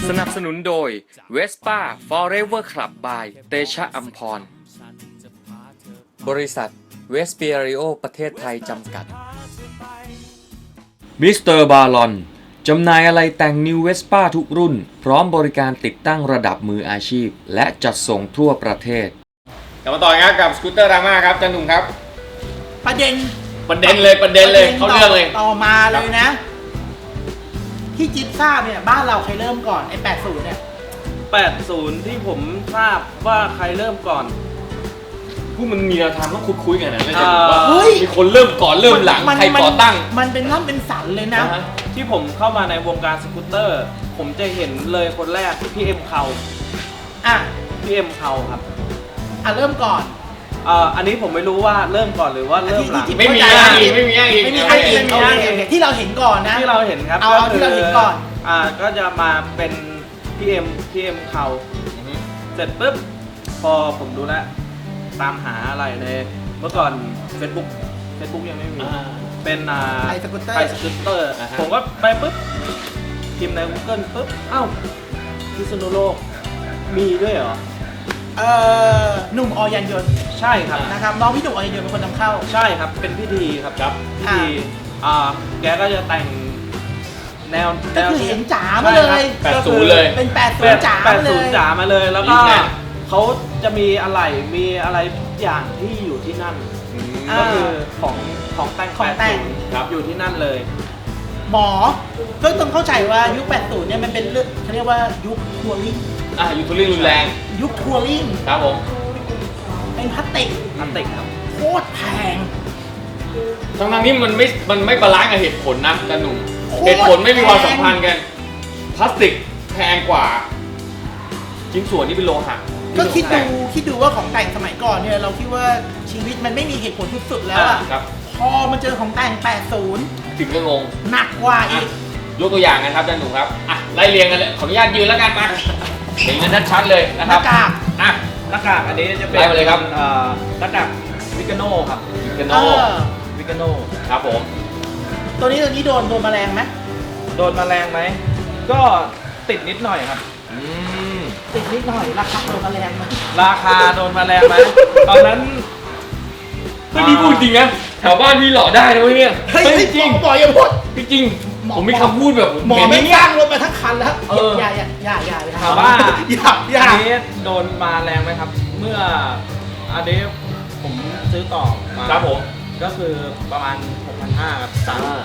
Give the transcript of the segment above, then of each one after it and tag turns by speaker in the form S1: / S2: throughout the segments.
S1: สนับสนุนโดย Vespa Forever Club by เตชะอัมพรบริษัทเวสเปียริโอประเทศไทยจำกัดมิสเตอร์บาลอนจำหน่ายอะไรแต่งนิวเวสป้าทุกรุ่นพร้อมบริการติดตั้งระดับมืออาชีพและจัดส่งทั่วประเทศกลับมาต่อครับกับสกูตเตอร์ดราม่าครับจันหนุ่มครับ
S2: ประเด็น
S1: เลยเขาเรื่องเลย
S2: ต่อมาเลยนะที่จิ๊บทราบเนี่ยบ้านเราใครเริ่มก่อนไอ้80เนี่ย
S3: 80ที่ผมทราบว่าใครเริ่มก่อน
S1: ผู้มันมีแนวทางต้องคุยกันนะไม่ใช่ว่ามีคนเริ่มก่อนเริ่มหลังใครก่อตั้ง
S2: มันเป็นร่ำเป็นสันเลยนะ
S3: ที่ผมเข้ามาในวงการสกูตเตอร์ผมจะเห็นเลยคนแรกพี่เอ็มเขาพี่เอ็มเขาครับ
S2: เริ่มก่อน
S3: อันนี้ผมไม่รู้ว่าเริ่มก่อนหรือว่าเริ่มหลัง
S1: ไม่มีอ้างอิง
S2: ที่เราเห็นก่อนนะ
S3: ที่เราเห็นครับ
S2: เอาที่เราเห็นก่อน
S3: ก็จะมาเป็นพี่เอ็มเขาเสร็จปุ๊บพอผมดูแลตามหาอะไรในเมื่อก่อน Facebook ยังไม่มีเป็น
S2: ไทยสกูตเ
S3: ตอร์ผมก็ไปปุ๊บพิมพ์ใน Google ปุ๊บพิษณุโลกมีด้วยเหรอ
S2: หนุ่มอยันยนต์
S3: ใช่ครับ
S2: นะครับน้องพี่หนุ่มอยันยนต์เป็นคนนำเข้า
S3: ใช่ครับเป็นพิธีครับพิธีแกก็จะแต่งแนว
S2: ก็คือเห็นจ๋ามาเลย
S1: 80เลย
S2: เป็น80จ๋า
S3: มาเลยแล้วก็เขาจะมีอะไรทุกอย่างที่อยู่ที่นั่นก็คือของแต่งอยู่ที่นั่นเลย
S2: หมอก็ต้องเข้าใจว่ายุค80เนี่ยมันเป็นเรื่องเขาเรียกว่ายุคทัวริง
S1: ยุคทัวริงรุนแรง
S2: ยุคทัวริง
S1: ครับผม
S2: เป็นพลาสติก
S3: ครับ
S2: โคตรแพง
S1: ทั้งนี้มันไม่บาลานซ์กับเหตุผลนะจันหนุ่มเหตุผลไม่มีความสัมพันธ์กันพลาสติกแพงกว่าชิ้นส่วนที่เป็นโลหะ
S2: ก็คิดดูว่าของแต่งสมัยก่อนเนี่ยเราคิดว่าชีวิตมันไม่มีเหตุผลสุดๆแล้วพอมาเจอของแต่ง80
S1: ถึงก็งง
S2: หนักกว่าอีก
S1: ยกตัวอย่างนะครับจันหนุ่มครับไล่เรียงกันเลยขออนุญาตยืนแล้วกันมาเห็นกันชัดๆเลยนะครับ
S2: หน้ากาก
S3: อันนี้จะเป็น
S1: ไล่มาเลยครับ
S3: หน้ากากวิกาโน่ครับ
S1: วิกาโน่ครับผม
S2: ตัวนี้โดนแมลงไหม
S3: โดนแมลงไหมก็ติดนิดหน่อยครับ
S2: ติดนิดหน่อยราคาโดนแมลงไหม
S3: ตอนนั้น
S1: ไม่ดีพูดจริงนะแถวบ้านพี่หล่อได้นะเว้ยเนี่ย
S2: จริงบอกอย่าพูด
S1: จริงผมมีคำพูดแบบ
S2: หมอไม่สร้างรถมาทั้งคันแล้วอย่าไป
S3: ถามว่าอันนี้โดนมาแรงไหมครับเมื่ออันนี้ผมซื้อต่อมา
S1: ครับผม
S3: ก็คือประมาณ 6,500 ครับ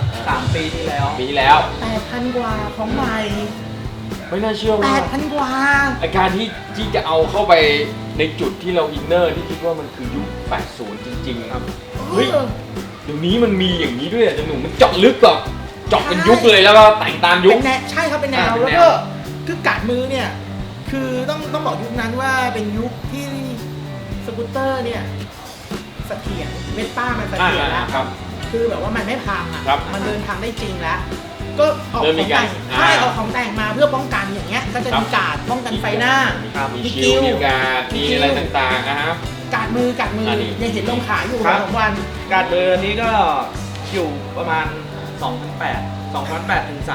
S3: 3 ปีที่แล้ว
S2: 8,000 กว่าของใหม่
S1: ไม่น่าเชื่อว่า
S2: 8,000 กว่า
S1: อาการที่จะเอาเข้าไปในจุดที่เราอินเนอร์ที่คิดว่ามันคือยุค80จริงๆครับเฮ้ยเดี๋ยวนี้มันมีอย่างนี้ด้วยจันหนุ่มมันเจาะลึกแบบเจาะเป็นยุคเลยแล้วก็แต่งตามยุค
S2: ใช่ครับเป็นแนวแล้วก็คือกัดมือเนี่ยคือต้องบอกยุคนั้นว่าเป็นยุคที่สกูตเตอร์เนี่ยเสถียรเวสป้ามันเสถียรแล้วคือแบบว่ามันไม่พังมันเดินทางได้จริงแล้วก็ออกของแต่งออกของแต่งมาเพื่อป้องกันอย่างเงี้ยก็จะมีการ์ดป้องกันไฟหน้า
S1: มีคิวมีการ์ดมีอะไรต่างๆนะครับ
S2: การ์ดมือยังเห็นลงขายอยู่2 วัน
S3: การ์ดมือนี้ก็อยู่ประมาณ 2,800 ถึง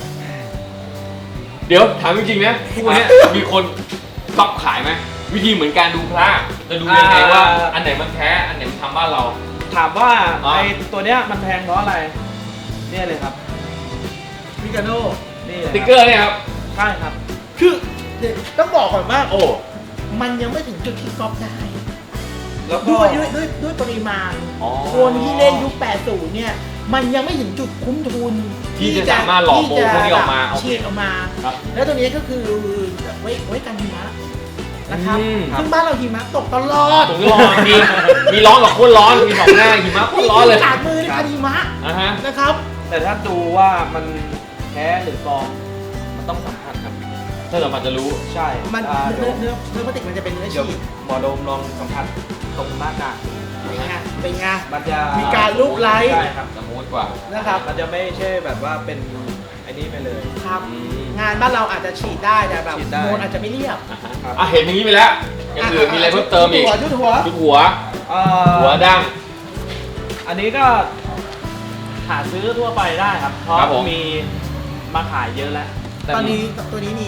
S3: 3,000
S1: เดี๋ยวถามจริงๆนะพวกนี้มีคนก๊อปขายไหมวิธีเหมือนการดูพระจะดูยังไงว่าอันไหนมันแท้อันไหนมันทำบ้านเรา
S3: ถามว่าไอ้ตัวเนี้ยมันแพงเพราะอะไรเนี่ยเลยครับวิกาโน่นี่
S1: สติ๊กเกอร์เนี่ยครับ
S3: ใช่ครับ
S2: คือต้องบอกก่อนว่ามันยังไม่ถึงจุดที่ก๊อปได้แล้วด้วยปริมาณคนที่เล่นยุค80เนี่ยมันยังไม่ถึงจุดคุ้มทุน
S1: ที่จะสามารถหลอกโมพวกนี้ออกมา
S2: ฉีดออกมาแล้วตัวนี้ก็คือไว้กันหิมะนะครับซึ่งบ้านเราหิมะตกตลอด
S1: มีร้อนกับโคตรร้อนมี2 หน้าหิมะโคตรร้อนเลย
S2: กัดมือในกันหิมะนะครับ
S3: แต่ถ้าดูว่ามันแท้หรือปลอมมันต้องสัมผัสครับ
S1: ถ้าเราจะรู้
S3: ใช่
S2: มันเนื้อพลาสติกมันจะเป็นเนื้อฉีด
S3: หมอโดมลองสัมผัสตรงหน้ากาก
S2: เป็นไง
S3: มันจะ
S2: มีการลูบไล้
S3: ใช่ครับ
S1: สมูทกว่า
S2: นะครับ
S3: มันจะไม่ใช่แบบว่าเป็นไอ้นี้ไปเลย
S2: ครับงานบ้านเราอาจจะฉีดได้แต่แบบโมนอาจจะไม่เรียบ
S1: เห็นอย่างนี้ไปแล้วอย่างอื่นมีอะไรเพิ่มเติมอีก
S2: ชุดหั
S1: วดั้ง
S3: อันนี้ก็หาซื้อทั่วไปได้ครับเพราะมีมาขายเยอะแล้ว
S2: ตอนนี้ตัวนี้มี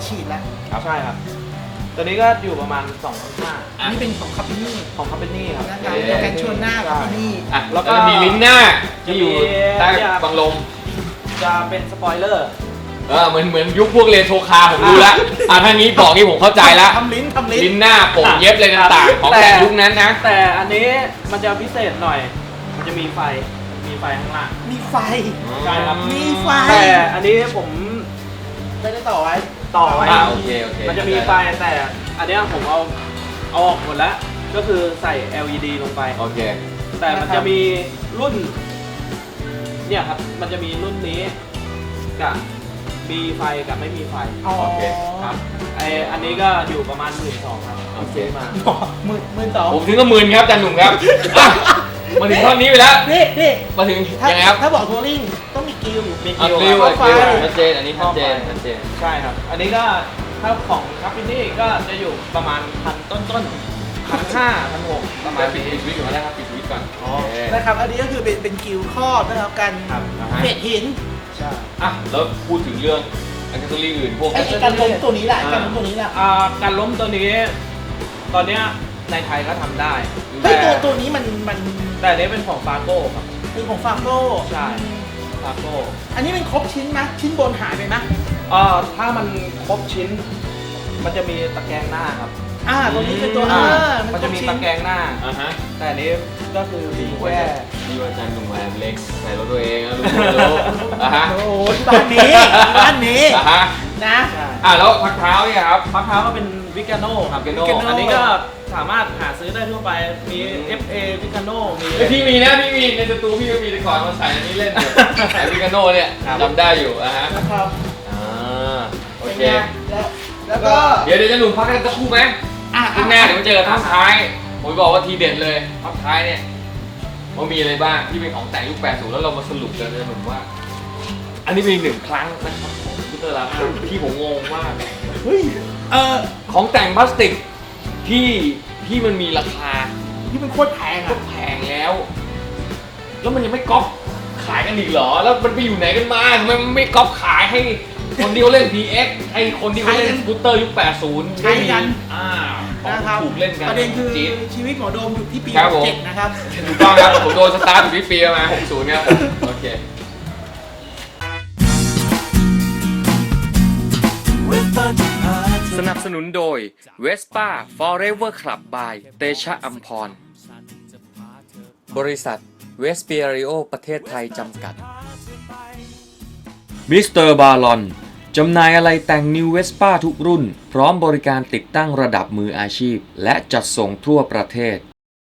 S2: ฉีดแล้ว
S3: ใช่ครับ ตัวนี้ก็อยู่ประมาณ 2,500
S2: อันนี้เป็นของคาปินี่
S3: ของคาเปนี่ครับ
S2: นะครับโปรแกรมชวนหน้าคาปินี่
S1: อ่ะ
S3: แล้
S1: แล้ว
S3: วก็
S1: ก็มีลิ้นหน้าที่อยู่ใต้บังลม
S3: จะเป็นสปอยเลอร์
S1: เหมือนยุคพวกเรโทรคาร์ผมดูแล้วทางนี้บอกนี่ผมเข้าใจแล้ว
S2: ทำลิ้น
S1: ลิ้นหน้าโป่งเย็บอะไรต่างๆของแต่ยุคนั้นนะ
S3: แต่อันนี้มันจะพิเศษหน่อย มันจะมีไฟข้างล่าง
S2: มีไฟ
S3: ใช่ครับ
S2: มีไฟ
S3: แต่อันนี้ผม
S2: ไม่ได้ต่อไว้
S3: ต่อไว้
S1: โอเค
S3: มันจะมีไฟแต่อันเนี้ยผมเอาออกหมดแล้ว ก็คือใส่ LED ลงไป
S1: โอเค
S3: แต่มันจะมีรุ่น เนี่ยครับ มันจะมีรุ่นนี้กับมีไฟกับไม่มีไฟ
S2: อ๋อ
S1: โอเค
S3: ครับอันนี้ก็อยู่ประมาณ 12,000 ครับ
S1: โอเค
S3: ซื้อมา
S2: มือสอง
S1: ผมถึงก็หมื่นครับอาจารย์หนุ่มครับอ่ะมาถึงท่อนนี้ไปแล้ว
S2: นี่
S1: มาถึง
S2: ถ้า
S1: ยังไงครับ
S2: ถ้าบอกทัวริงต้องมีกิล
S3: มี
S1: อั
S3: กิ
S1: น
S3: โล
S1: ริว
S2: ไฟ
S1: ชัดเจนอันนี้ชัดเจน
S3: ใช่ครับ อันนี้ก็ถ้าของคัพพินี่ก็จะอยู่ประมาณ1,000 ต้นๆ 1,500 1,600 ประมาณ
S1: ปิด
S3: นี้
S1: สวิตช์ก่อนนะครับปิดสวิตช์ก่อน
S3: อ๋อ
S1: โอเค
S2: นะครับ อันนี้ก็คือเป็นกิลครอบนะครับกัน
S3: ครับ
S1: อ่าฮะ
S2: เม็ดหิน
S3: ใช่
S1: อ่ะแล้วพูดถึงเรื่องอันเซอรี่อื่นพวก
S2: ไอ้การล้มตัวนี้แหละการล้มตัวนี้แหละ
S3: การล้มตัวนี้ ตอนเนี้ยในไทยก็ทำได้
S2: เฮ้ย
S3: แต่
S2: ตัวนี้มัน
S3: แต่อันนี้เป็นของฟาโก้ครับ
S2: เป็นของฟาโก้
S3: ใช่ ฟาโก้
S2: อันนี้เป็นครบชิ้นไหมชิ้นบนหายไปไหม
S3: ถ้ามันครบชิ้น มันจะมีตะแกรงหน้าครับ
S2: ตัวนี้เป็นตัว
S3: มันจะมี
S2: ครบชิ้
S3: ตะแกรงหน้า
S1: อ่าฮะ
S3: แต่อันนี้ก็คือมี
S1: ว่า
S3: แค่
S1: ดีว่าอาจารย์หนุ่มแหวนเล็กใส่รถตัวเองนะรู้อ่ะฮะ
S2: โอ้โหที่บ้านนี้บ้านนี้
S1: อ่ะฮะ
S2: นะ
S3: ใช่
S1: แล้วพักเท้าเนี่ยครับ
S3: พักเท้าก็เป็นวิกาโน่ครับ
S1: Vicano
S3: อันนี้ก็สามารถหาซื้อได้ทั่วไป มี FA วิกาโน่มี
S1: พี่มีนะพี่มีในสตูพี่ก็มีแต่ก่อนมาใส่อันนี้เล่นอยู่ใส่วิกาโน่เนี่ย
S3: ครับ
S1: จำได้อยู่อ่ะฮะ
S2: นะครับ
S1: โอเค
S2: เป็นไงแล้วก็
S1: เดี๋ยวจะหนุ่มพักกันสักครู่ไหมข้างหน้าเดี๋ยวมาเจอกันท่อนท้ายผมบอกว่าทีเด็ดเลยท่อนท้ายเนี่ยว่ามีอะไรบ้างที่เป็นของแต่งยุค 80 แล้วเรามาสรุปกันเลยผมว่า อันนี้เป็นอีกหนึ่งครั้งนะครับของคอมพิวเตอร์แล้วที่ผมงงมาก
S2: เฮ้ย
S1: ของแต่งพลาสติกที่มันมีราคา
S2: ที่มันโคตรแพง
S1: ก็
S2: อ่ะ
S1: แพงแล้ว แล้วมันยังไม่ก๊อปขายกันอีกเหรอ แล้วมันไปอยู่ไหนกันมาทำไมมันไม่ก๊อปขายให้คนที่เขาเล่น PX ให้คนที่เขาเล่นสกูตเตอร์ยุค 80
S2: ใช้กัน
S1: ของ
S2: นะครับ
S1: ถูกเล่นกัน
S2: ประเด็นคือ
S1: จี๊ด
S2: ชีวิตหมอโดมอยู่ที่ปี
S1: ครับผม
S2: 7นะครับ
S1: ถูกต้องครับ ผมโดนสตาร์ทอยู่ที่ปีประมาณ60ครับโอเค สนับสนุนโดย Vespa Forever Club by เตชะอัมพร บริษัทเวสเปียริโอประเทศไทยจำกัด มิสเตอร์บาลอนจำหน่ายอะไรแต่ง New Vespa ทุกรุ่น พร้อมบริการติดตั้งระดับมืออาชีพ และจัดส่งทั่วประเทศ